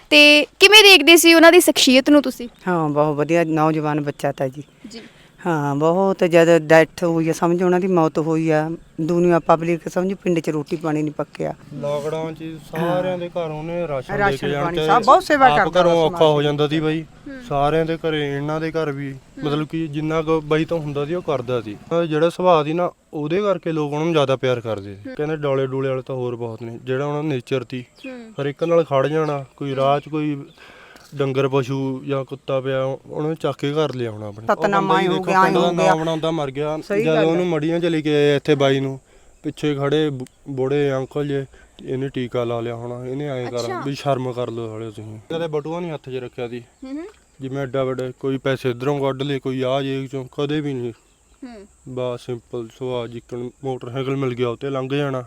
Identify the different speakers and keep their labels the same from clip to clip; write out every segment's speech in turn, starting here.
Speaker 1: ਤੇ ਕਿਵੇਂ ਦੇਖਦੇ ਸੀ ਉਹਨਾਂ ਦੀ ਸ਼ਖਸੀਅਤ ਨੂੰ ਤੁਸੀਂ?
Speaker 2: ਹਾਂ ਬਹੁਤ ਵਧੀਆ ਨੌਜਵਾਨ ਬੱਚਾ ਤਾਂ ਜੀ।
Speaker 1: ਜੀ
Speaker 2: ਹਾਂ ਬਹੁਤ ਜਦ ਡੈਥ ਹੋਈ ਆ ਸਮਝ ਉਹਨਾਂ ਦੀ ਮੌਤ ਹੋਈ ਆ, ਦੁਨੀਆ ਪਬਲਿਕ ਸਮਝ ਪਿੰਡ 'ਚ ਰੋਟੀ ਪਾਣੀ ਨਹੀਂ ਪੱਕਿਆ।
Speaker 3: ਲਾਕਡਾਊਨ 'ਚ ਸਾਰਿਆਂ ਦੇ ਘਰ ਉਹਨੇ ਰਾਸ਼ਨ ਦੇ ਕੇ
Speaker 2: ਰਾਸ਼ਨ
Speaker 3: ਜਾਣ
Speaker 2: ਪਾਣੀ ਸਭ ਬਹੁਤ ਸੇਵਾ
Speaker 3: ਆਪ
Speaker 2: ਕਰਦਾ
Speaker 3: ਘਰੋਂ
Speaker 2: ਵਾ
Speaker 3: ਔਖਾ ਹੋ ਜਾਂਦਾ ਸੀ ਬਾਈ। ਸਾਰਿਆਂ ਦੇ ਘਰੇ ਇਹਨਾਂ ਦੇ ਘਰ ਵੀ ਮਤਲਬ ਕਿ ਜਿੰਨਾ ਕੁ ਬਾਈ ਤੋਂ ਹੁੰਦਾ ਸੀ ਉਹ ਕਰਦਾ ਸੀ। ਜਿਹੜਾ ਸੁਭਾਅ ਸੀ ਨਾ ਉਹਦੇ ਕਰਕੇ ਲੋਕ ਉਹਨਾਂ ਨੂੰ ਜ਼ਿਆਦਾ ਪਿਆਰ ਕਰਦੇ ਸੀ। ਕਹਿੰਦੇ ਡੋਲੇ ਡੂਲੇ ਵਾਲੇ ਤਾਂ ਹੋਰ ਬਹੁਤ ਨੇ, ਜਿਹੜਾ ਉਹਨਾਂ ਦਾ ਨੇਚਰ ਸੀ ਹਰ ਇੱਕ ਨਾਲ ਖੜ ਜਾਣਾ। ਕੋਈ ਰਾਹ 'ਚ ਕੋਈ ਡੰਗਰ ਪਸ਼ੂ ਜਾਂ ਕੁੱਤਾ ਪਿਆ ਉਹਨੂੰ ਚੱਕ ਕੇ ਘਰ ਲਿਆਉਣਾ ਆਪਣੇ।
Speaker 2: ਸਤਨਾਮਾ ਹੋ ਗਿਆ
Speaker 3: ਪਿੰਡ ਦਾ ਨਾਮ ਬਣਾਉਂਦਾ ਮਰ ਗਿਆ ਜਦ ਉਹਨੂੰ ਮੜੀਆਂ ਚ ਲੈ ਕੇ ਆਏ ਇੱਥੇ ਬਾਈ ਨੂੰ। ਪਿੱਛੇ ਖੜੇ ਬੁੜੇ ਅੰਕਲ ਜੇ ਇਹਨੇ ਟੀਕਾ ਲਾ ਲਿਆ ਹੋਣਾ, ਇਹਨੇ ਐਂ ਕਰ ਵੀ ਸ਼ਰਮ ਕਰ ਲਓ ਹਾਲੇ ਤੁਸੀਂ। ਕਦੇ ਬਟੂਆ ਨਹੀਂ ਹੱਥ 'ਚ ਰੱਖਿਆ ਸੀ ਜਿਵੇਂ ਐਡਾ ਵੱਡਾ ਕੋਈ ਪੈਸੇ ਇੱਧਰੋਂ ਕੱਢ ਲਏ ਕੋਈ ਆਹ ਜੇਬ ਚੋਂ, ਕਦੇ ਵੀ ਨਹੀਂ। ਬਸ ਸਿੰਪਲ ਸੁਭਾਅ ਜਿੱਕਣ ਮੋਟਰਸਾਈਕਲ ਮਿਲ ਗਿਆ ਉੱਤੇ ਲੰਘ ਜਾਣਾ,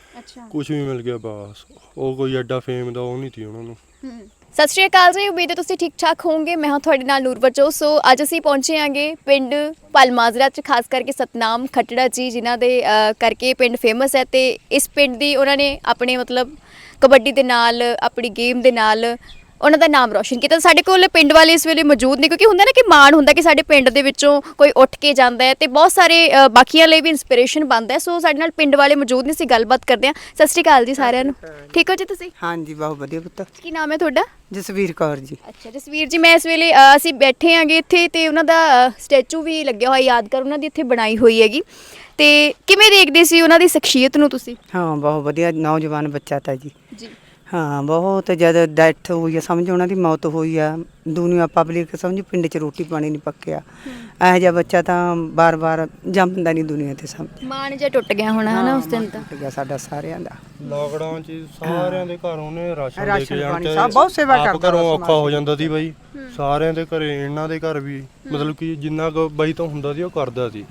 Speaker 3: ਕੁਛ ਵੀ ਮਿਲ ਗਿਆ ਬਸ। ਉਹ ਕੋਈ ਐਡਾ ਫੇਮ ਦਾ ਉਹ ਨਹੀਂ ਸੀ ਉਹਨਾਂ ਨੂੰ।
Speaker 1: ਸਤਿ ਸ਼੍ਰੀ ਅਕਾਲ ਜੀ, ਉਮੀਦ ਹੈ ਤੁਸੀਂ ਠੀਕ ਠਾਕ ਹੋਵੋਗੇ। ਮੈਂ ਹਾਂ ਤੁਹਾਡੇ ਨਾਲ ਨੂਰਵਰਜੋਤ। ਸੋ ਅੱਜ ਅਸੀਂ ਪਹੁੰਚੇ ਆਂਗੇ ਪਿੰਡ ਪਲਮਾਜਰਾ 'ਚ, ਖਾਸ ਕਰਕੇ ਸਤਨਾਮ ਖੱਟੜਾ ਜੀ ਜਿਨ੍ਹਾਂ ਦੇ ਕਰਕੇ ਪਿੰਡ ਫੇਮਸ ਹੈ। ਤੇ ਇਸ ਪਿੰਡ ਦੀ ਉਹਨਾਂ ਨੇ ਆਪਣੇ ਮਤਲਬ ਕਬੱਡੀ ਦੇ ਨਾਲ, ਆਪਣੀ ਗੇਮ ਦੇ ਨਾਲ ਉਹਨਾਂ ਦਾ ਨਾਮ ਰੋਸ਼ਨ ਕੀਤਾ। ਸਾਡੇ ਕੋਲ ਪਿੰਡ ਵਾਲੇ ਇਸ ਵੇਲੇ ਮੌਜੂਦ ਨੇ, ਕਿਉਂਕਿ ਹੁੰਦਾ ਨਾ ਕਿ ਮਾਣ ਹੁੰਦਾ ਕਿ ਸਾਡੇ ਪਿੰਡ ਦੇ ਵਿੱਚੋਂ ਕੋਈ ਉੱਠ ਕੇ ਜਾਂਦਾ ਹੈ ਤੇ ਬਹੁਤ ਸਾਰੇ ਬਾਕੀਆਂ ਲਈ ਵੀ ਇਨਸਪੀਰੇਸ਼ਨ ਬਣਦਾ ਹੈ। ਸੋ ਸਾਡੇ ਨਾਲ ਪਿੰਡ ਵਾਲੇ ਮੌਜੂਦ ਨੇ, ਅਸੀਂ ਗੱਲਬਾਤ ਕਰਦੇ ਹਾਂ। ਸਤਿ ਸ਼੍ਰੀ ਅਕਾਲ ਜੀ ਸਾਰਿਆਂ ਨੂੰ। ਠੀਕ ਹੋ ਜੀ ਤੁਸੀਂ?
Speaker 2: ਹਾਂਜੀ ਬਹੁਤ ਵਧੀਆ ਪੁੱਤ।
Speaker 1: ਕੀ ਨਾਮ ਹੈ ਤੁਹਾਡਾ?
Speaker 2: ਜਸਵੀਰ ਕੌਰ ਜੀ।
Speaker 1: ਅੱਛਾ ਜਸਵੀਰ ਜੀ, ਮੈਂ ਇਸ ਵੇਲੇ ਅਸੀਂ ਬੈਠੇ ਆਂਗੇ ਇੱਥੇ ਤੇ ਉਹਨਾਂ ਦਾ ਸਟੈਚੂ ਵੀ ਲੱਗਿਆ ਹੋਇਆ, ਯਾਦਗਾਰ ਉਹਨਾਂ ਦੀ ਇੱਥੇ ਬਣਾਈ ਹੋਈ ਹੈਗੀ। ਤੇ ਕਿਵੇਂ ਦੇਖਦੇ ਸੀ ਉਹਨਾਂ ਦੀ ਸ਼ਖਸੀਅਤ ਨੂੰ ਤੁਸੀਂ?
Speaker 2: ਹਾਂ ਬਹੁਤ ਵਧੀਆ ਨੌਜਵਾਨ ਬੱਚਾ ਤਾਂ ਜੀ।
Speaker 1: ਜੀ
Speaker 2: ਹਾਂ ਬਹੁਤ ਜਦ ਡੈਥ ਹੋਈ ਆ ਸਮਝ ਉਹਨਾਂ ਦੀ ਮੌਤ ਹੋਈ ਆ, ਦੁਨੀਆ ਪਬਲਿਕ ਸਮਝ ਪਿੰਡ 'ਚ ਰੋਟੀ ਪਾਣੀ ਨਹੀਂ ਪੱਕਿਆ। ਇਹੋ ਜਿਹਾ ਬੱਚਾ ਤਾਂ ਬਾਰ-ਬਾਰ ਜੰਮਦਾ ਨਹੀਂ ਦੁਨੀਆ ਤੇ। ਸਮਝ
Speaker 1: ਮਾਣ ਜਿਹਾ ਟੁੱਟ ਗਿਆ ਹੋਣਾ ਹਨਾ ਉਸ ਦਿਨ ਤਾਂ।
Speaker 2: ਟੁੱਟ ਗਿਆ ਸਾਡਾ ਸਾਰਿਆਂ ਦਾ।
Speaker 3: ਲਾਕਡਾਊਨ 'ਚ ਸਾਰਿਆਂ ਦੇ ਘਰ ਉਹਨੇ ਰਾਸ਼ਨ ਦੇ ਕੇ ਜਾਣ
Speaker 2: ਪਾਣੀ ਸਭ ਬਹੁਤ ਸੇਵਾ
Speaker 3: ਆਪ
Speaker 2: ਕਰਦਾ
Speaker 3: ਘਰੋਂ ਔਖਾ ਹੋ ਜਾਂਦਾ ਸੀ ਬਾਈ। ਸਾਰਿਆਂ ਦੇ ਘਰੇ ਇਹਨਾਂ ਦੇ ਘਰ ਵੀ ਮਤਲਬ ਕਿ ਜਿੰਨਾ ਕੁ ਬਾਈ ਤੋਂ ਹੁੰਦਾ ਸੀ ਉਹ ਕਰਦਾ ਸੀ।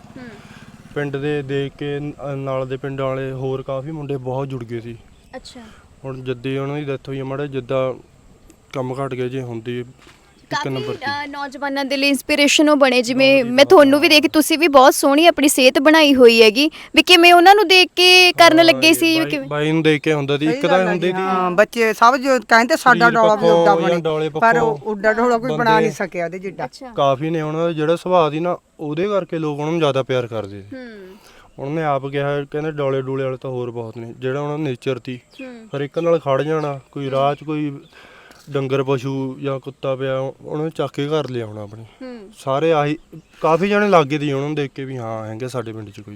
Speaker 3: ਪਿੰਡ ਦੇ ਦੇਖ ਕੇ ਨਾਲ ਦੇ ਪਿੰਡ ਵਾਲੇ ਹੋਰ ਕਾਫੀ ਮੁੰਡੇ ਬਹੁਤ ਜੁੜ ਗਏ ਸੀ।
Speaker 1: ਅੱਛਾ
Speaker 3: ਹੁਣ ਜੱਦੀ ਉਹਨਾਂ ਦੀ ਡੈਥ ਹੋਈ ਆ, ਮਾੜਾ ਜਿੱਦਾਂ ਕੰਮ ਘਟ ਗਿਆ ਜੇ ਹੁੰਦੀ ਇੱਕ ਨੰਬਰ
Speaker 1: ਕਾਫੀ ਨੌਜਵਾਨਾਂ ਦੇ ਲਈ ਇਨਸਪੀਰੇਸ਼ਨ ਉਹ ਬਣੇ। ਜਿਵੇਂ ਮੈਂ ਤੁਹਾਨੂੰ ਵੀ ਦੇਖ, ਤੁਸੀਂ ਵੀ ਬਹੁਤ ਸੋਹਣੀ ਆਪਣੀ ਸਿਹਤ ਬਣਾਈ ਹੋਈ ਹੈਗੀ, ਵੀ ਕਿਵੇਂ ਉਹਨਾਂ ਨੂੰ ਦੇਖ ਕੇ ਕਰਨ ਲੱਗੇ ਸੀ?
Speaker 3: ਬਾਈ ਨੂੰ ਦੇਖ ਕੇ ਹੁੰਦਾ ਸੀ ਇੱਕ ਤਾਂ ਹੁੰਦੀ ਸੀ।
Speaker 2: ਹਾਂ ਬੱਚੇ ਸਭ ਜੋ ਕਹਿੰਦੇ ਸਾਡਾ ਡੋਲਾ ਵੀ ਉੱਡਾ ਬਣੇ, ਪਰ ਉੱਡਾ ਡੋਲਾ ਕੋਈ ਬਣਾ ਨਹੀਂ ਸਕਿਆ ਉਹਦੇ ਜਿੱਡਾ।
Speaker 3: ਕਾਫੀ ਨੇ ਉਹਨਾਂ ਦਾ ਜਿਹੜਾ ਸੁਭਾਅ ਸੀ ਨਾ ਉਹਦੇ ਕਰਕੇ ਲੋਕ ਉਹਨਾਂ ਨੂੰ ਜ਼ਿਆਦਾ ਪਿਆਰ ਕਰਦੇ ਸੀ। ਉਹਨੇ ਆਪ ਕਿਹਾ, ਕਹਿੰਦੇ ਡੋਲੇ ਡੂਲੇ ਵਾਲੇ ਤਾਂ ਹੋਰ ਬਹੁਤ ਨੇ, ਜਿਹੜਾ ਉਹਨਾਂ ਦਾ ਨੇਚਰ ਸੀ ਹਰ ਇੱਕ ਨਾਲ ਖੜ ਜਾਣਾ। ਕੋਈ ਰਾਹ 'ਚ ਕੋਈ ਡੰਗਰ ਪਸ਼ੂ ਜਾਂ ਕੁੱਤਾ ਪਿਆ ਉਹਨੂੰ ਚੱਕ ਕੇ ਘਰ ਲਿਆਉਣਾ ਆਪਣੇ। ਸਾਰੇ ਆਹੀ ਕਾਫੀ ਜਣੇ ਲੱਗੇ ਸੀ ਉਹਨਾਂ ਨੂੰ ਦੇਖ ਕੇ ਵੀ ਹਾਂ ਹੈਗੇ ਸਾਡੇ ਪਿੰਡ 'ਚ ਕੋਈ।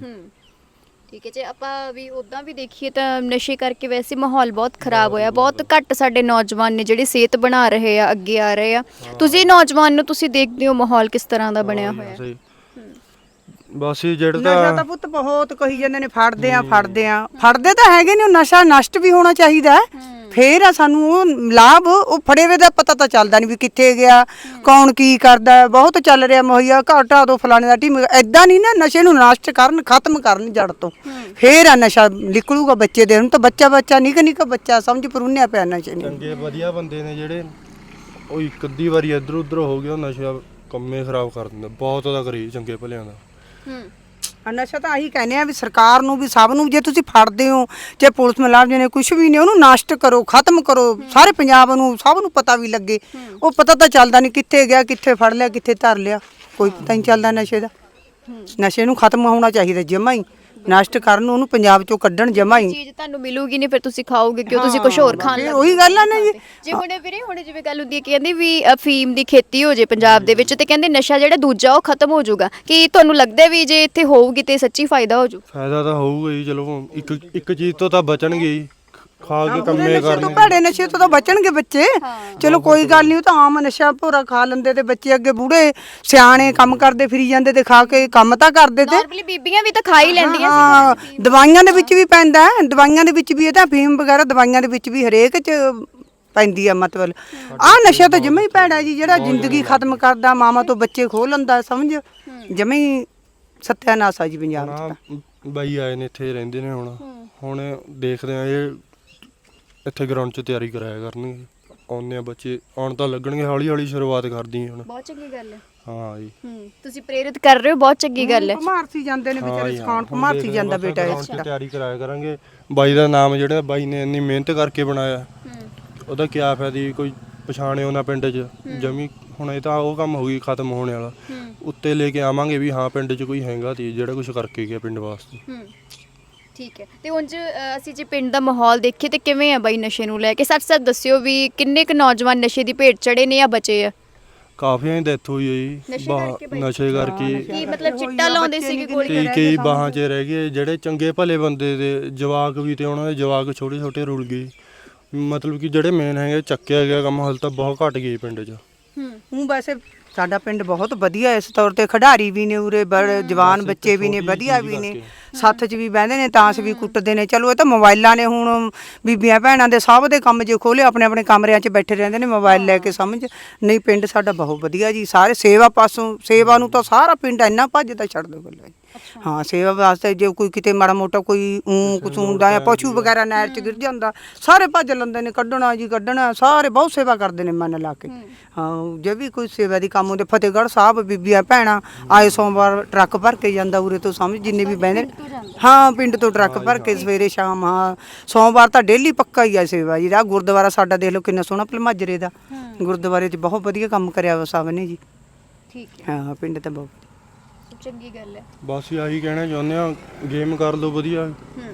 Speaker 1: ਠੀਕ ਹੈ ਜੀ। ਆਪਾਂ ਵੀ ਉਦਾਂ ਵੀ ਦੇਖੀਏ ਤਾਂ ਨਸ਼ੇ ਕਰਕੇ ਵੈਸੇ ਮਾਹੌਲ ਬਹੁਤ ਖਰਾਬ ਹੋਇਆ, ਬਹੁਤ ਘੱਟ ਸਾਡੇ ਨੌਜਵਾਨ ਨੇ ਜਿਹੜੇ ਸਿਹਤ ਬਣਾ ਰਹੇ ਆ, ਅੱਗੇ ਆ ਰਹੇ ਆ। ਤੁਸੀਂ ਨੌਜਵਾਨ ਨੂੰ ਤੁਸੀਂ ਦੇਖਦੇ ਹੋ ਮਾਹੌਲ ਕਿਸ ਤਰ੍ਹਾਂ ਦਾ ਬਣਿਆ ਹੋਇਆ?
Speaker 3: ਬਸ ਜਿਹੜਾ
Speaker 2: ਨਸ਼ਾ ਤਾਂ ਪੁੱਤ ਬਹੁਤ ਕਹੀ ਜਾਂਦੇ ਨੇ, ਫੜਦੇ ਤਾਂ ਹੈਗੇ ਨੇ। ਨਸ਼ਾ ਨਸ਼ਟ ਵੀ ਹੋਣਾ ਚਾਹੀਦਾ, ਫੇਰ ਆ ਸਾਨੂੰ ਉਹ ਲਾਭ। ਉਹ ਫੜੇ ਵੇ ਦਾ ਪਤਾ ਤਾਂ ਚੱਲਦਾ ਨਹੀਂ ਵੀ ਕਿੱਥੇ ਗਿਆ, ਕੌਣ ਕੀ ਕਰਦਾ। ਬਹੁਤ ਚੱਲ ਰਿਹਾ ਮੁਹੱਈਆ, ਘਾਟਾ ਦੋ ਫਲਾਣੇ ਦਾ ਟੀਮ। ਐਦਾਂ ਨਹੀਂ ਨਾ, ਨਸ਼ੇ ਨੂੰ ਨਸ਼ਟ ਕਰਨ, ਖਤਮ ਕਰਨ ਜੜ ਤੋਂ, ਫੇਰ ਆ ਨਸ਼ਾ ਨਿਕਲੂਗਾ ਬੱਚੇ ਦੇ। ਹੁਣ ਤਾਂ ਬੱਚਾ ਨਿੱਕਾ ਬੱਚਾ ਸਮਝ ਪਰੂਨਿਆ ਪਿਆ ਨਸ਼ੇ ਨੇ।
Speaker 3: ਚੰਗੇ ਵਧੀਆ ਬੰਦੇ ਨੇ ਜਿਹੜੇ ਉਹ ਇੱਕ ਅੱਧੀ ਵਾਰੀ ਇੱਧਰ ਉੱਧਰ ਹੋ ਗਿਆ ਨਸ਼ਾ ਕੰਮੇ ਖਰਾਬ ਕਰ ਦਿੰਦਾ। ਬਹੁਤ ਉਹਦਾ ਕਰੀ ਚੰਗੇ ਭਲਿਆਂ ਦਾ।
Speaker 2: ਨਸ਼ਾ ਤਾਂ ਆਹੀ ਕਹਿੰਦੇ ਆ ਵੀ ਸਰਕਾਰ ਨੂੰ ਵੀ ਸਭ ਨੂੰ, ਜੇ ਤੁਸੀਂ ਫੜਦੇ ਹੋ ਚਾਹੇ ਪੁਲਿਸ ਮੁਲਾਜ਼ਮ ਨੇ ਕੁਛ ਵੀ ਨੇ, ਉਹਨੂੰ ਨਸ਼ਟ ਕਰੋ, ਖਤਮ ਕਰੋ। ਸਾਰੇ ਪੰਜਾਬ ਨੂੰ ਸਭ ਨੂੰ ਪਤਾ ਵੀ ਲੱਗੇ। ਉਹ ਪਤਾ ਤਾਂ ਚੱਲਦਾ ਨਹੀਂ ਕਿੱਥੇ ਗਿਆ, ਕਿੱਥੇ ਫੜ ਲਿਆ, ਕਿੱਥੇ ਧਰ ਲਿਆ, ਕੋਈ ਪਤਾ ਨਹੀਂ ਚੱਲਦਾ ਨਸ਼ੇ ਦਾ। ਨਸ਼ੇ ਨੂੰ ਖਤਮ ਹੋਣਾ ਚਾਹੀਦਾ ਜਮਾ ਹੀ, ਨਸ਼ਟ ਕਰਨ, ਉਹਨੂੰ ਪੰਜਾਬ ਚੋਂ ਕੱਢਣ ਜਮਾ ਹੀ।
Speaker 1: ਚੀਜ਼ ਤੁਹਾਨੂੰ ਮਿਲੂਗੀ ਨਹੀਂ ਫਿਰ ਤੁਸੀਂ ਖਾਓਗੇ ਕਿਉਂ? ਤੁਸੀਂ ਕੁਝ ਹੋਰ ਖਾਣ ਲੱਗ
Speaker 2: ਉਹੀ ਗੱਲ ਆ ਨਾ ਜੀ।
Speaker 1: ਜੇ ਹੁਣ ਵੀਰੇ ਹੁਣ ਜਿਵੇਂ ਗੱਲ ਹੁੰਦੀ ਹੈ ਕਿ ਕਹਿੰਦੇ ਵੀ ਅਫੀਮ ਦੀ ਖੇਤੀ ਹੋ ਜੇ ਪੰਜਾਬ ਦੇ ਵਿੱਚ, ਤੇ ਕਹਿੰਦੇ ਨਸ਼ਾ ਜਿਹੜਾ ਦੂਜਾ ਉਹ ਖਤਮ ਹੋ ਜਾਊਗਾ। ਕੀ ਤੁਹਾਨੂੰ ਲੱਗਦਾ ਵੀ ਜੇ ਇੱਥੇ ਹੋਊਗੀ ਤੇ ਸੱਚੀ ਫਾਇਦਾ ਹੋ ਜਾਊ?
Speaker 3: ਫਾਇਦਾ ਤਾਂ ਹੋਊਗਾ ਹੀ। ਚਲੋ ਇੱਕ ਚੀਜ਼ ਤੋਂ ਤਾਂ ਬਚਣਗੇ ਹੀ, ਖਾ ਕੇ ਕੰਮੇ ਕਰਨਗੇ।
Speaker 2: ਭੈੜੇ ਨਸ਼ੇ ਤੋਂ ਤਾਂ ਬਚਣਗੇ ਬੱਚੇ। ਚਲੋ ਕੋਈ ਗੱਲ ਨਹੀਂ, ਉਹ ਤਾਂ ਆਮ ਨਸ਼ਾ ਭੋਰਾ ਖਾ ਲੈਂਦੇ ਤੇ ਬੱਚੇ ਅੱਗੇ ਬੂੜੇ ਸਿਆਣੇ ਕੰਮ ਕਰਦੇ ਫਿਰੀ ਜਾਂਦੇ ਤੇ ਖਾ ਕੇ ਕੰਮ ਤਾਂ ਕਰਦੇ ਤੇ।
Speaker 1: ਨਾਰਮਲੀ ਬੀਬੀਆਂ ਵੀ ਤਾਂ ਖਾ ਹੀ ਲੈਂਦੀਆਂ
Speaker 2: ਸੀ। ਦਵਾਈਆਂ ਦੇ ਵਿੱਚ ਵੀ ਪੈਂਦਾ, ਦਵਾਈਆਂ ਦੇ ਵਿੱਚ ਵੀ ਇਹ ਤਾਂ ਅਫੀਮ ਵਗੈਰਾ ਦਵਾਈਆਂ ਦੇ ਵਿੱਚ ਵੀ ਹਰੇਕ 'ਚ ਪੈਂਦੀ ਆ। ਮਤਲਬ ਆਹ ਨਸ਼ਾ ਤਾਂ ਜਮਾ ਹੀ ਭੈੜਾ ਜੀ, ਜਿਹੜਾ ਜ਼ਿੰਦਗੀ ਖਤਮ ਕਰਦਾ, ਮਾਵਾਂ ਤੋਂ ਬੱਚੇ ਖੋਹ ਲੈਂਦਾ। ਸਮਝ ਜਮਾ ਹੀ ਸੱਤਿਆਨਾਸ ਆ ਜੀ ਪੰਜਾਬ 'ਚ ਤਾਂ।
Speaker 3: ਬਾਈ ਆਏ ਨੇ ਇੱਥੇ ਰਹਿੰਦੇ ਨੇ ਹੁਣ ਦੇਖਦੇ ਆ ਇਹ ਇੱਥੇ ਗਰਾਊਂਡ 'ਚ ਤਿਆਰੀ ਕਰਾਇਆ ਕਰਨਗੇ। ਆਉਂਦੇ ਆ ਬੱਚੇ, ਆਉਣ ਤਾਂ ਲੱਗਣਗੇ, ਹੌਲੀ ਹੌਲੀ ਸ਼ੁਰੂਆਤ ਕਰਦੀ ਹੁਣ।
Speaker 1: ਬਹੁਤ ਚੰਗੀ ਗੱਲ ਹੈ।
Speaker 3: ਹਾਂ ਜੀ
Speaker 1: ਤੁਸੀਂ ਪ੍ਰੇਰਿਤ ਕਰ ਰਹੇ ਹੋ, ਬਹੁਤ ਚੰਗੀ ਗੱਲ ਹੈ।
Speaker 2: ਭਮਾਰਸੀ ਜਾਂਦੇ ਨੇ ਵਿਚਾਰੇ, ਸਿਖਾਉਣ ਭਮਾਰਸੀ ਜਾਂਦਾ ਬੇਟਾ। ਇਸ
Speaker 3: ਚ ਤਿਆਰੀ ਕਰਾਇਆ ਕਰਾਂਗੇ। ਬਾਈ ਦਾ ਨਾਮ ਜਿਹੜਾ ਬਾਈ ਨੇ ਇੰਨੀ ਮਿਹਨਤ ਕਰਕੇ ਬਣਾਇਆ, ਉਹਦਾ ਕਿਆ ਫਾਇਦਾ? ਕੋਈ ਪਛਾਣੇ ਉਹਨਾਂ ਪਿੰਡ 'ਚ ਜਮੀ। ਹੁਣ ਇਹ ਤਾਂ ਉਹ ਕੰਮ ਹੋ ਗਈ ਖਤਮ ਹੋਣੇ ਵਾਲਾ। ਉੱਤੇ ਲੈ ਕੇ ਆਵਾਂਗੇ ਵੀ ਹਾਂ ਪਿੰਡ 'ਚ ਕੋਈ ਹੈਗਾ ਤੀ ਜਿਹੜਾ ਕੁਝ ਕਰਕੇ ਗਿਆ ਪਿੰਡ ਵਾਸਤੇ।
Speaker 1: ਠੀਕ ਹੈ। ਤੇ ਉਂਝ ਅਸੀਂ ਜੇ ਪਿੰਡ ਦਾ ਮਾਹੌਲ ਦੇਖੀਏ ਤੇ ਕਿਵੇਂ ਆ ਬਾਈ ਨਸ਼ੇ ਨੂੰ ਲੈ ਕੇ? ਸੱਚ ਦੱਸਿਓ ਵੀ ਕਿੰਨੇ ਕੁ ਨੌਜਵਾਨ ਨਸ਼ੇ ਦੀ ਭੇਟ ਚੜੇ ਨੇ ਜਾਂ ਬਚੇ ਆ?
Speaker 3: ਕਾਫੀਆਂ ਦੀ ਡੈਥ ਹੋਈ ਹੈ ਜੀ ਨਸ਼ੇ ਕਰਕੇ।
Speaker 1: ਕੀ ਮਤਲਬ ਚਿੱਟਾ ਲਾਉਂਦੇ ਸੀਗੇ ਗੋਲੀ?
Speaker 3: ਕਈ ਬਾਹਾਂ 'ਚ ਰਹਿ ਗਏ ਜਿਹੜੇ ਚੰਗੇ ਭਲੇ ਬੰਦੇ ਦੇ ਜਵਾਕ ਵੀ ਤੇ ਉਹਨਾਂ ਦੇ ਜਵਾਕ ਛੋਟੇ ਛੋਟੇ ਰੁਲ ਗਏ। ਮਤਲਬ ਕਿ ਜਿਹੜੇ ਮੇਨ ਹੈਗੇ ਚੱਕਿਆ ਗਿਆ ਕੰਮ ਹਾਲੇ ਤਾਂ ਬਹੁਤ ਘਟ ਗਈ ਪਿੰਡ 'ਚ।
Speaker 2: ਵੈਸੇ ਸਾਡਾ ਪਿੰਡ ਬਹੁਤ ਵਧੀਆ ਇਸ ਤੌਰ ਤੇ, ਖਿਡਾਰੀ ਵੀ ਨੇ ਉਰੇ, ਬੜੇ ਜਵਾਨ ਬੱਚੇ ਵੀ ਨੇ, ਵਧੀਆ ਵੀ ਨੇ, ਸੱਥ 'ਚ ਵੀ ਬਹਿੰਦੇ ਨੇ, ਤਾਸ਼ ਵੀ ਕੁੱਟਦੇ ਨੇ। ਚਲੋ ਇਹ ਤਾਂ ਮੋਬਾਈਲਾਂ ਨੇ ਹੁਣ ਬੀਬੀਆਂ ਭੈਣਾਂ ਦੇ ਸਭ ਦੇ ਕੰਮ ਜੇ ਖੋਲੇ ਆਪਣੇ ਆਪਣੇ ਕਮਰਿਆਂ 'ਚ ਬੈਠੇ ਰਹਿੰਦੇ ਨੇ ਮੋਬਾਈਲ ਲੈ ਕੇ। ਸਮਝ ਨਹੀਂ, ਪਿੰਡ ਸਾਡਾ ਬਹੁਤ ਵਧੀਆ ਜੀ। ਸਾਰੇ ਸੇਵਾ ਪਾਸੋਂ, ਸੇਵਾ ਨੂੰ ਤਾਂ ਸਾਰਾ ਪਿੰਡ ਇੰਨਾ ਭੱਜਦਾ ਛੱਡ ਦੋ ਗੱਲਾਂ। ਹਾਂ, ਸੇਵਾ ਵਾਸਤੇ ਜੇ ਕੋਈ ਕਿਤੇ ਮਾੜਾ ਮੋਟਾ ਕੋਈ ਕੁਛ ਹੁੰਦਾ ਜਾਂ ਪਸ਼ੂ ਵਗੈਰਾ ਨਹਿਰ 'ਚ ਗਿਰ ਜਾਂਦਾ, ਸਾਰੇ ਭੱਜ ਲੈਂਦੇ ਨੇ, ਕੱਢਣਾ ਜੀ ਕੱਢਣਾ। ਸਾਰੇ ਬਹੁਤ ਸੇਵਾ ਕਰਦੇ ਨੇ ਮਨ ਲਾ ਕੇ। ਹਾਂ, ਜੇ ਵੀ ਕੋਈ ਸੇਵਾ ਦੀ ਕੰਮ ਹੁੰਦੇ, ਫਤਿਹਗੜ੍ਹ ਸਾਹਿਬ ਬੀਬੀਆਂ ਭੈਣਾਂ ਆਏ ਸੋਮਵਾਰ ਟਰੱਕ ਭਰ ਕੇ ਜਾਂਦਾ ਉਰੇ ਤੋਂ। ਸਮਝ ਜਿੰਨੇ ਵੀ ਬਹਿੰਦੇ ਨੇ, ਹਾਂ ਪਿੰਡ ਤੋਂ ਟਰੱਕ ਭਰ ਕੇ ਸਵੇਰੇ ਸ਼ਾਮ। ਹਾਂ, ਸੋਮਵਾਰ ਤਾਂ ਡੇਲੀ ਪੱਕਾ ਹੀ ਆ ਸੇਵਾ ਜੀ। ਆਹ ਗੁਰਦੁਆਰਾ ਸਾਡਾ ਦੇਖ ਲਓ ਕਿੰਨਾ ਸੋਹਣਾ ਭਲਮਾਜਰੇ ਦਾ ਗੁਰਦੁਆਰੇ 'ਚ ਬਹੁਤ ਵਧੀਆ ਕੰਮ ਕਰਿਆ ਵਾ ਸਭ ਨੇ ਜੀ।
Speaker 1: ਠੀਕ ਹੈ।
Speaker 2: ਹਾਂ, ਪਿੰਡ ਤਾਂ ਬਹੁਤ
Speaker 1: ਚੰਗੀ ਗੱਲ ਹੈ।
Speaker 3: ਬਸ ਆਹੀ ਕਹਿਣਾ ਚਾਹੁੰਦੇ ਆ, ਗੇਮ ਕਰ ਲਓ ਵਧੀਆ,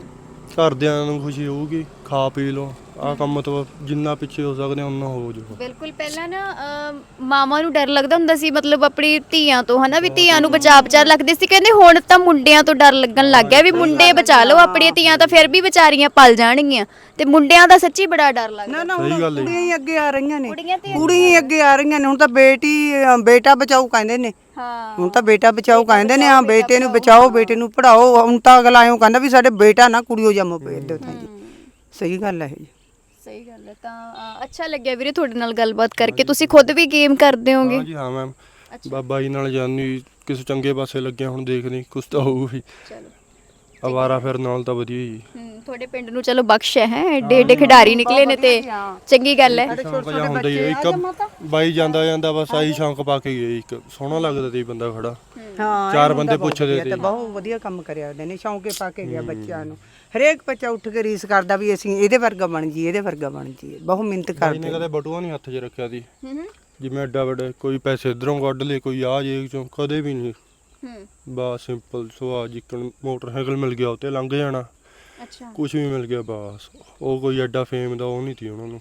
Speaker 3: ਘਰਦਿਆਂ ਨੂੰ ਖੁਸ਼ੀ ਹੋਊਗੀ, ਖਾ ਪੀ ਲਓ। ਆਹ ਕੰਮ ਤੋਂ ਜਿੰਨਾ ਪਿੱਛੇ ਹੋ ਸਕਦੇ ਉਹਨਾਂ ਹੋ ਜਾਓ।
Speaker 1: ਬਿਲਕੁਲ। ਪਹਿਲਾਂ ਨਾ ਮਾਵਾਂ ਨੂੰ ਡਰ ਲੱਗਦਾ ਹੁੰਦਾ ਸੀ, ਮਤਲਬ ਆਪਣੀ ਧੀਆਂ ਤੋਂ, ਹਨਾ ਵੀ ਧੀਆਂ ਨੂੰ ਬਚਾ ਲੱਗਦੇ ਸੀ। ਕਹਿੰਦੇ ਹੁਣ ਤਾਂ ਮੁੰਡਿਆਂ ਤੋਂ ਡਰ ਲੱਗਣ ਲੱਗ ਗਿਆ ਵੀ ਮੁੰਡੇ ਬਚਾ ਲਓ, ਆਪਣੀਆਂ ਧੀਆਂ ਤਾਂ ਫਿਰ ਵੀ ਵਿਚਾਰੀਆਂ ਪਲ ਜਾਣਗੀਆਂ। ਤੇ ਮੁੰਡਿਆਂ ਦਾ ਸੱਚੀ ਬੜਾ ਡਰ ਲੱਗਦਾ।
Speaker 2: ਨਾ ਹੁਣ ਕੁੜੀਆਂ ਹੀ ਅੱਗੇ ਆ ਰਹੀਆਂ ਨੇ, ਕੁੜੀਆਂ ਹੀ ਅੱਗੇ ਆ ਰਹੀਆਂ ਨੇ। ਹੁਣ ਤਾਂ ਬੇਟਾ ਬਚਾਓ ਕਹਿੰਦੇ ਨੇ।
Speaker 1: ਹਾਂ,
Speaker 2: ਹੁਣ ਤਾਂ ਬੇਟਾ ਬਚਾਓ ਕਹਿੰਦੇ ਨੇ। ਹਾਂ, ਬੇਟੇ ਨੂੰ ਬਚਾਓ, ਬੇਟੇ ਨੂੰ ਪੜਾਓ। ਹੁਣ ਤਾਂ ਅਗਲਾ ਐਂ ਕਹਿੰਦਾ ਵੀ ਸਾਡੇ ਬੇਟਾ ਨਾ ਕੁੜੀਓ ਜੰਮ ਪਏ ਦਿਓ ਤਾਂ ਜੀ। ਸਹੀ ਗੱਲ ਹੈ ਜੀ।
Speaker 1: ਸਹੀ ਗੱਲ ਹੈ। ਤਾਂ ਅੱਛਾ ਲੱਗਿਆ ਵੀਰੇ ਤੁਹਾਡੇ ਨਾਲ ਗੱਲਬਾਤ ਕਰਕੇ। ਤੁਸੀਂ ਖੁਦ ਵੀ ਗੇਮ ਕਰਦੇ ਹੋਗੇ?
Speaker 3: ਹਾਂ ਜੀ, ਹਾਂ ਮੈਮ। ਬਾਬਾ ਜੀ ਨਾਲ ਜਾਨੀ ਕਿਸੇ ਚੰਗੇ ਪਾਸੇ ਲੱਗਿਆ, ਹੁਣ ਦੇਖਦੇ ਕੁਛ ਤਾਂ ਹੋਊ ਵੀ।
Speaker 1: ਚਲੋ,
Speaker 3: ਅਵਾਰਾ ਫਿਰ ਨਾਲ ਤਾਂ ਵਧੀਆ ਜੀ।
Speaker 1: ਤੁਹਾਡੇ ਪਿੰਡ ਨੂੰ ਚਲੋ ਬਖਸ਼ ਹੈ, ਏਡੇ ਖਿਡਾਰੀ ਨਿਕਲੇ ਨੇ ਤੇ ਚੰਗੀ ਗੱਲ ਹੈ।
Speaker 3: ਹੁੰਦਾ ਹੀ ਇੱਕ ਬਾਈ ਜਾਂਦਾ ਬਸ ਆਹੀ ਸ਼ੌਂਕ ਪਾ ਕੇ ਗਏ। ਇੱਕ ਸੋਹਣਾ ਲੱਗਦਾ ਤੇ ਬੰਦਾ ਖੜਾ,
Speaker 2: ਹਾਂ,
Speaker 3: ਚਾਰ ਬੰਦੇ ਪੁੱਛਦੇ ਤੇ
Speaker 2: ਬਹੁਤ ਵਧੀਆ ਕੰਮ ਕਰਿਆ ਉਹਦੇ ਨੇ। ਸ਼ੌਂਕੇ ਪਾ ਕੇ ਗਿਆ ਬੱਚਿਆਂ ਨੂੰ। ਹਰੇਕ ਬੱਚਾ ਉੱਠ ਕੇ ਰੀਸ ਕਰਦਾ ਵੀ ਅਸੀਂ ਇਹਦੇ ਵਰਗਾ ਬਣ ਜਾਈਏ, ਇਹਦੇ ਵਰਗਾ ਬਣ ਜਾਈਏ। ਬਹੁਤ ਮਿਹਨਤ ਕਰਦੇ
Speaker 3: ਨੇ। ਕਦੇ ਬਟੂਆ ਨਹੀਂ ਹੱਥ 'ਚ ਰੱਖਿਆ ਸੀ ਜਿਵੇਂ ਐਡਾ ਵੱਡਾ ਕੋਈ ਪੈਸੇ ਇਧਰੋਂ ਕੱਢ ਲਏ, ਕੋਈ ਆ ਜੇਬ ਚੋਂ, ਕਦੇ ਵੀ ਨਹੀਂ। ਬਸ ਸਿੰਪਲ ਸੁਭਾਅ, ਜਿੱਕਣ ਮੋਟਰਸਾਈਕਲ ਮਿਲ ਗਿਆ ਉੱਤੇ ਲੰਘ ਜਾਣਾ।
Speaker 1: ਅੱਛਾ,
Speaker 3: ਕੁਝ ਵੀ ਮਿਲ ਗਿਆ ਬਸ। ਉਹ ਕੋਈ ਐਡਾ ਫੇਮ ਦਾ ਉਹ ਨਹੀਂ ਸੀ ਉਹਨਾਂ ਨੂੰ।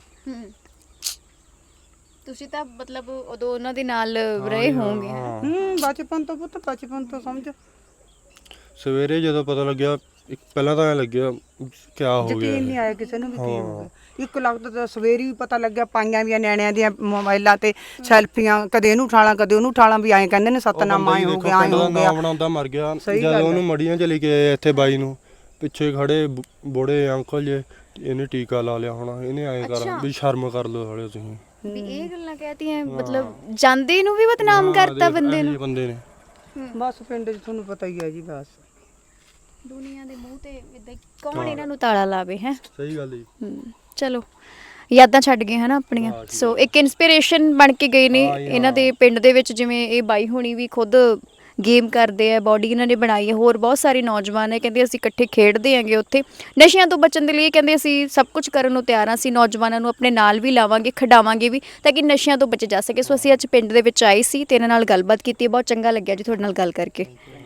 Speaker 1: ਤੁਸੀਂ ਤਾਂ ਮਤਲਬ ਉਦੋਂ ਉਹਨਾਂ ਦੇ ਨਾਲ ਰਹੇ ਹੋਵੋਗੇ।
Speaker 2: ਬਚਪਨ ਤੋਂ ਪੁੱਤ, ਬਚਪਨ ਤੋਂ ਸਮਝ।
Speaker 3: ਸਵੇਰੇ ਜਦੋਂ ਪਤਾ ਲੱਗਿਆ, ਪਹਿਲਾਂ ਤਾਂ ਐ ਲੱਗਿਆ ਕਿਆ ਹੋ ਗਿਆ।
Speaker 2: ਯਕੀਨ ਨਹੀਂ ਆਇਆ ਕਿਸੇ ਨੂੰ ਵੀ ਕੀ ਹੋ ਗਿਆ। ਇੱਕ ਲੱਗਦਾ ਤਾਂ ਸਵੇਰੇ ਵੀ ਪਤਾ ਲੱਗਿਆ, ਪਾਈਆਂ ਵੀ ਨਿਆਣਿਆਂ ਦੀਆਂ ਮੋਬਾਈਲਾਂ ਤੇ ਸੈਲਫੀਆਂ, ਕਦੇ ਇਹਨੂੰ ਉਠਾਲਾਂ ਕਦੇ ਉਹਨੂੰ ਉਠਾਲਾਂ, ਵੀ ਐਂ ਕਹਿੰਦੇ ਨੇ ਸਤਨਾਮ ਆਏ ਹੋ ਗਿਆ, ਆਏ ਹੋ ਗਿਆ।
Speaker 3: ਨਾਮ ਬਣਾਉਂਦਾ ਮਰ ਗਿਆ। ਜਦੋਂ ਉਹਨੂੰ ਮੜੀਆਂ ਚ ਲੈ ਕੇ ਆਏ ਇੱਥੇ ਬਾਈ ਨੂੰ, ਪਿੱਛੇ ਖੜੇ ਬੁੜੇ ਅੰਕਲ ਜੇ, ਇਹਨੇ ਟੀਕਾ ਲਾ ਲਿਆ ਹੋਣਾ, ਇਹਨੇ ਐਂ ਕਰਾਂ ਵੀ ਸ਼ਰਮ ਕਰ ਲਓ ਹਾਲੇ ਤੁਸੀਂ।
Speaker 1: ਵੀ ਇਹ ਗੱਲਾਂ ਕਹਤੀਆਂ, ਮਤਲਬ ਜਾਂਦੇ ਨੂੰ ਵੀ ਬਦਨਾਮ ਕਰਤਾ ਬੰਦੇ
Speaker 3: ਨੇ।
Speaker 2: ਬਸ ਪਿੰਡ 'ਚ ਤੁਹਾਨੂੰ ਪਤਾ ਹੀ ਹੈ ਜੀ। ਬਸ
Speaker 1: ਦੁਨੀਆ ਦੇ ਮੂੰਹ ਤੇ ਇਦਾਂ ਕੌਣ ਇਹਨਾਂ ਨੂੰ ਤਾਲਾ ਲਾਵੇ ਹੈ।
Speaker 3: ਸਹੀ ਗੱਲ ਜੀ।
Speaker 1: ਚਲੋ, ਯਾਦਾਂ ਛੱਡ ਗਏ ਹਨਾ ਆਪਣੀਆਂ। ਸੋ ਇੱਕ ਇਨਸਪੀਰੇਸ਼ਨ ਬਣ ਕੇ ਗਏ ਨੇ ਇਹਨਾਂ ਦੇ ਪਿੰਡ ਦੇ ਵਿੱਚ। ਜਿਵੇਂ ਇਹ ਬਾਈ ਹੋਣੀ ਵੀ ਖੁਦ ਗੇਮ ਕਰਦੇ ਆ, ਬਾਡੀ ਇਹਨਾਂ ਨੇ ਬਣਾਈ ਹੈ। ਹੋਰ ਬਹੁਤ ਸਾਰੇ ਨੌਜਵਾਨ ਨੇ, ਕਹਿੰਦੇ ਅਸੀਂ ਇਕੱਠੇ ਖੇਡਦੇ ਆਂਗੇ ਉੱਥੇ। ਨਸ਼ਿਆਂ ਤੋਂ ਬਚਣ ਦੇ ਲਈ ਕਹਿੰਦੇ ਅਸੀਂ ਸਭ ਕੁਝ ਕਰਨ ਨੂੰ ਤਿਆਰ ਹਾਂ। ਅਸੀਂ ਨੌਜਵਾਨਾਂ ਨੂੰ ਆਪਣੇ ਨਾਲ ਵੀ ਲਾਵਾਂਗੇ, ਖਿਡਾਵਾਂਗੇ ਵੀ, ਤਾਂ ਕਿ ਨਸ਼ਿਆਂ ਤੋਂ ਬਚੇ ਜਾ ਸਕੇ। ਸੋ ਅਸੀਂ ਅੱਜ ਪਿੰਡ ਦੇ ਵਿੱਚ ਆਏ ਸੀ ਤੇ ਇਹਨਾਂ ਨਾਲ ਗੱਲਬਾਤ ਕੀਤੀ। ਬਹੁਤ ਚੰਗਾ ਲੱਗਿਆ ਜੀ ਤੁਹਾਡੇ ਨਾਲ ਗੱਲ ਕਰਕੇ।